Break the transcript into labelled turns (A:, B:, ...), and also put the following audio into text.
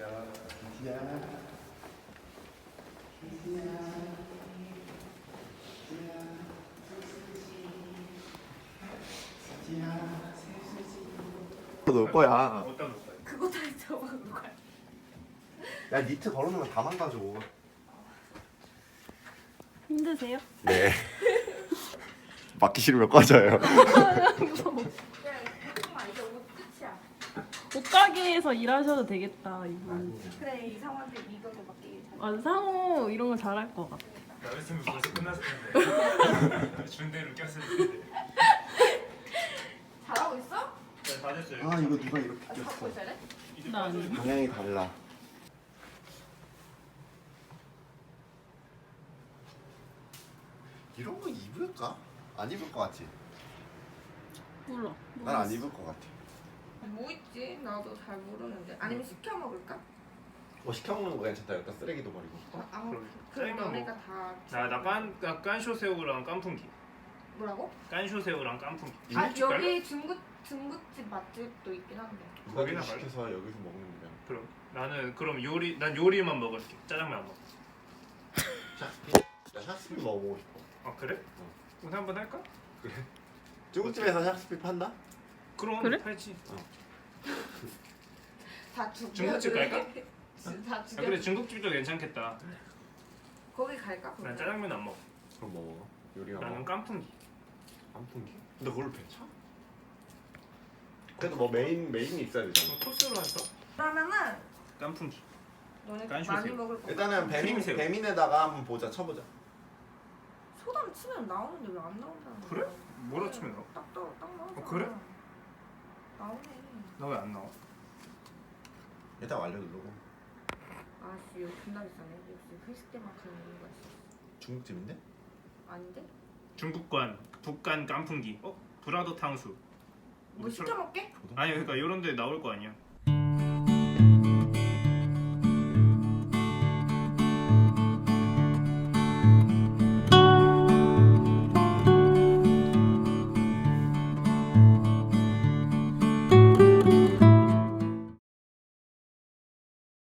A: 놓을 거야.
B: 어디다 놓을 거야?
C: 그거 다 잊어먹은 거야.
A: 야 니트 걸어놓으면 다 망가져.
C: 힘드세요?
A: 네. 맞기 싫으면 꺼져요.
C: 이제 옷 끝이야.
D: 옷가게에서 일하셔도 되겠다 이분.
C: 그래 이 상황들 이걸로 맡기기 잘.
D: 아 상호 이런 거 잘할 것 같아.
B: 나였으면 벌써 끝났을 텐데. 준 대로 꼈을 텐데.
C: 잘하고 있어?
B: 네, 다 됐어요.
A: 아 이거 누가 이렇게
C: 갖고
A: 꼈어.
C: 있어야 돼?
B: 이제
D: 나
B: 빠져요.
D: 아니야.
A: 방향이 달라. 이런 거 입을까? 안 입을 것 같지?
D: 몰라.
A: 난 안 입을 것 같아.
C: 뭐 있지? 나도 잘 모르는데. 아니면 시켜 먹을까?
A: 뭐 시켜 먹는 거 괜찮다. 여기다 쓰레기도 버리고.
B: 그럼
C: 그럼
B: 짜장면
C: 너네가 다
B: 나 깐쇼새우랑 깐풍기.
C: 뭐라고?
B: 깐쇼새우랑 깐풍기.
C: 아
B: 중국집 갈래?
C: 여기 중국집 맛집도 있긴 한데.
A: 누가
B: 거기나
A: 좀
B: 말해.
A: 시켜서 여기서 먹는 거야.
B: 그럼 나는 그럼 난 요리만 먹을게. 짜장면 안 먹어.
A: 나 샥스피 먹어보고 싶어.
B: 아 그래? 오늘 한번 할까?
A: 중국집에서 샥스피 판다?
B: 그럼
D: 그래?
B: 팔지.
C: 다 죽여.
B: 중국집 갈까?
C: 다
B: 아
C: 죽여.
B: 그래 중국집도 괜찮겠다.
C: 거기 갈까?
B: 난
C: 그러면?
B: 짜장면 안 먹어.
A: 그럼 뭐 먹어? 요리가
B: 나는
A: 뭐?
B: 깐풍기.
A: 깐풍기? 근데 그걸 배차? 그래도 뭐 메인이 있어야 되잖아.
B: 코스로 할까?
C: 그러면은
B: 깐풍기.
C: 너네
B: 깐쇼
C: 많이
B: 새우.
C: 먹을 거.
A: 일단은
B: 크림새우.
A: 배민에다가 한번 보자. 쳐보자.
C: 소담 치면 나오는데 왜 안 나온다는 거야?
B: 그래? 뭐라 치면 나와?
C: 딱 나오잖아.
B: 그래?
C: 나오네.
B: 나 왜 안 나와?
A: 일단 완료 누르고.
C: 아씨 이거 존나 비싸네. 역시 회식 때만큼 이유가 있어.
A: 중국집인데?
C: 아닌데?
B: 중국관 북간 깐풍기. 브라더 탕수.
C: 뭐 시켜 먹게?
B: 아니 그러니까 이런 데 나올 거 아니야.